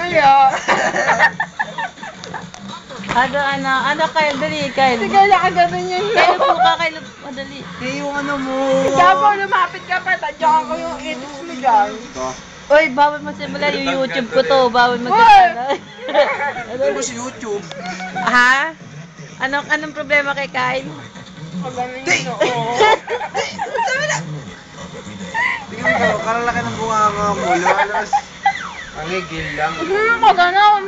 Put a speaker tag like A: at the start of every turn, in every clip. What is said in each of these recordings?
A: Mamaya.
B: Ano, Kyle, dali, Kyle.
A: Sige, nakaganon yun.
B: Kyle po ka, Kyle, madali.
C: Yung ano mo.
A: Gabo, lumapit ka pa. Tadyakan ko yung edits mo dyan.
B: Uy, bawal mo simulan yung YouTube ko to. Bawal mo simulan.
C: Ano mo si YouTube?
B: Ha? Anong problema kay Kyle?
A: Kaganon yun, oo.
C: Tingnan mo, kalalaki ng bunganga mo. Lalas. Ang higil lang.
A: Kaganon.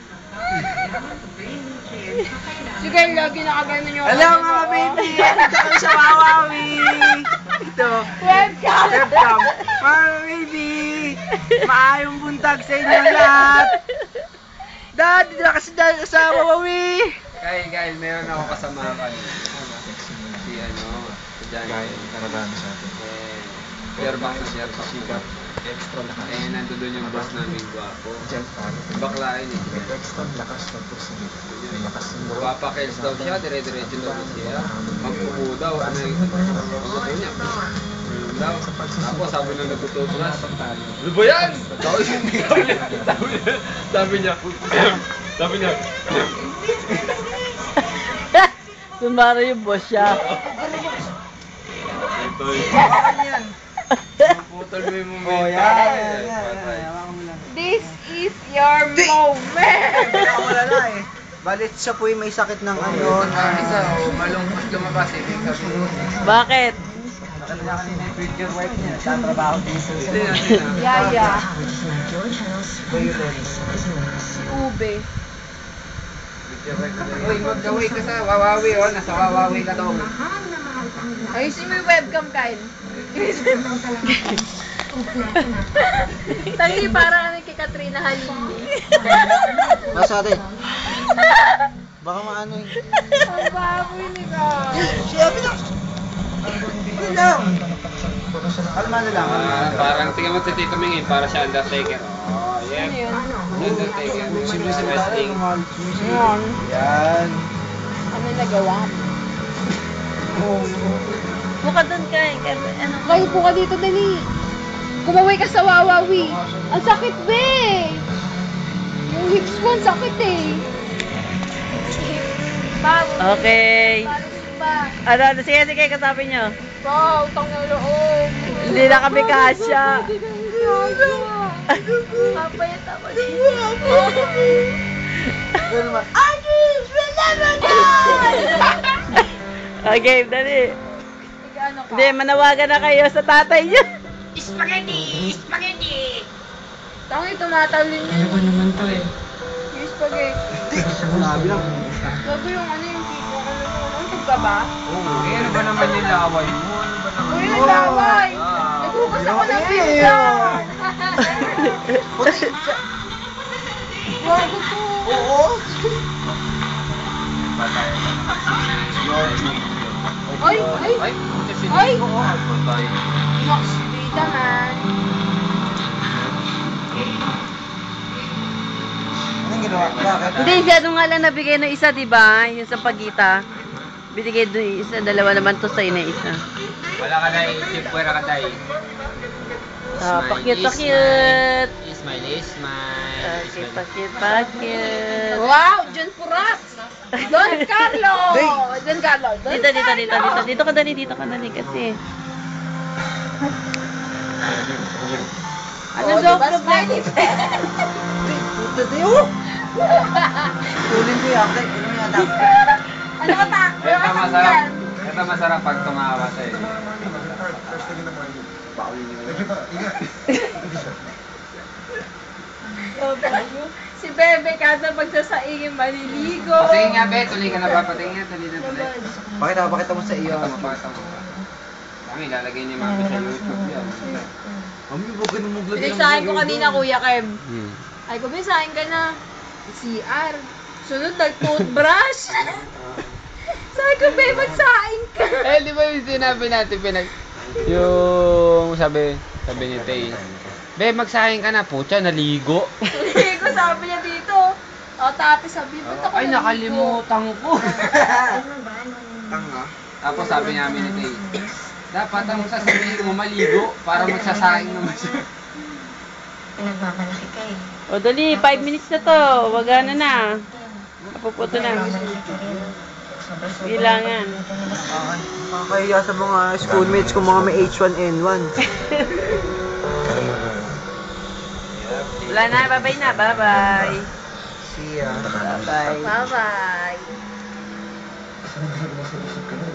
A: Sige, lagi nakaganon yung...
C: Hello mga baby! Dito kami sa Wawawi! Ito.
A: Webcam!
C: Webcam. Mga baby! Maayong buntag sa inyo lahat! Dad, dito na kasi dahil sa Wawawi!
D: Kyle, meron ako kasama kanina. Si Jan.
E: Karabano sa atin.
D: Shareback na shareback.
E: Extra lakas.
D: Nandun doon yung boss namin gwapo.
E: Diyan pa.
D: Baklain eh.
E: Extra lakas ng pusin. May lakas ng bro.
D: Papakils daw siya, dire-diretso daw siya. Magpupo daw, magpupo niya. Daw. Tapos sabi nung natutubras, ano ba yan? Sabi niya,
B: Sumara yung boss siya.
D: putol mo yung
C: Oh,
D: moment.
C: yan.
A: This is your moment!
C: Wala na eh. Balit siya po may sakit ng ano.
D: Isa, malungkot lumabas eh.
B: Bakit?
C: Nakita niya kanina yung future wife niya. Nagtatrabaho dito.
A: Yaya.
C: Violet.
A: Si Ube.
D: Uy, mag-away ka sa Wawawi, oh. Nasa Wawawi ka daw.
A: Ayusin mo yung webcam, Kyle. Tangi, parang ano kay Katrina Halili.
C: Nasa atin. Baka maano yung...
A: Ang baboy ni Kyle.
C: Siyabi na! Ano lang? Kalma na lang.
D: Parang tingnan mo si Tito Mingin, para siya Undertaker. Oh, yeah.
A: Ano yun?
D: Undertaker. Sa wrestling.
A: Ayan.
C: Yan.
A: Ano nagawa mo?
B: Buka doon, Kyle. Ano?
A: Kyle, po ka dito, dali. Kumaway ka sa Wawawi. Ang sakit, be! Yung hips mo, ang sakit eh.
B: Okay. Sige, kasabi nyo.
A: Wow, utang na loob.
B: Hindi na kami kasya.
A: Kapayat ako dito.
C: Pero naman.
A: Agis, we'll never die!
B: Okay, dali.
A: Ano ka?
B: Hindi, manawagan na kayo sa tatay nyo.
A: Spaghetti! Spaghetti! Tangi, tumatawlin yun. Ano ba naman to eh? Yung spaghetti.
C: Sabi lang.
A: Bago yung ano yung tipo. Ano ka ba?
D: Ano ba naman yung laway mo? Ano ba naman?
A: Uy, ang laway! Naghugas ako ng pizza! Wago to!
C: Oo.
A: Ay! Ay!
D: Ay!
A: Ay!
D: Patay.
A: Nox, bida man.
C: Anong ginawa? Bakit?
B: Hindi, siya nga lang nabigay ng isa, di ba? Yung sa pagita. Binigay doon isa, dalawa naman to sa ina isa.
D: Wala ka na isip, pwera ka tayo.
B: Pakit.
D: Smile.
B: Okay, pakit.
A: Wow! John Purat! Don Carlo! Don Carlo!
B: Dito ka dali kasi. Ano daw problema?
C: Puta tayo! Tulin ko yung akit. Ano yung anak?
A: Ano ka ta?
D: Ito masarap pag tumawa sa'yo.
A: Si Bebe kada pagsasaingin maliligo.
D: Patingin nga, be. Tuloy ka na ba? Patingin nga, tuloy na tuloy.
C: Pakita mo sa iyo.
D: Pakita mo. Kami, ilalagay niya mami sa YouTube yan.
C: Mami, huwag ka nang maglagay ng
A: Pinasahin ko kanina, Kuya Kev.
D: Hmm.
A: Ay, kumisahin ka na. CR. Sunod, nag-toothbrush. Sabi ko, Bebe, magsahin ka.
D: Di ba yung sinabi natin, yung sabi ni Tay, be, magsahin ka na, putya, naligo.
A: Hindi ko sabi niya dito. O, tapos sabi, ba't ako
D: Ay, nakalimutan ko.
C: Tanga.
D: Tapos sabi namin ni Tay, dapat ang sasabihin mo maligo para magsasaing naman siya.
F: Pinagmamalaki ka eh.
B: O dali, 5 minutes na to. Wagana na. Napuputo na. Bilangan.
C: Nakakahiya sa mga schoolmates ko mga may H1N1.
B: Wala na, bye-bye na. Bye-bye.
C: See ya.
B: Bye-bye.
A: Bye-bye.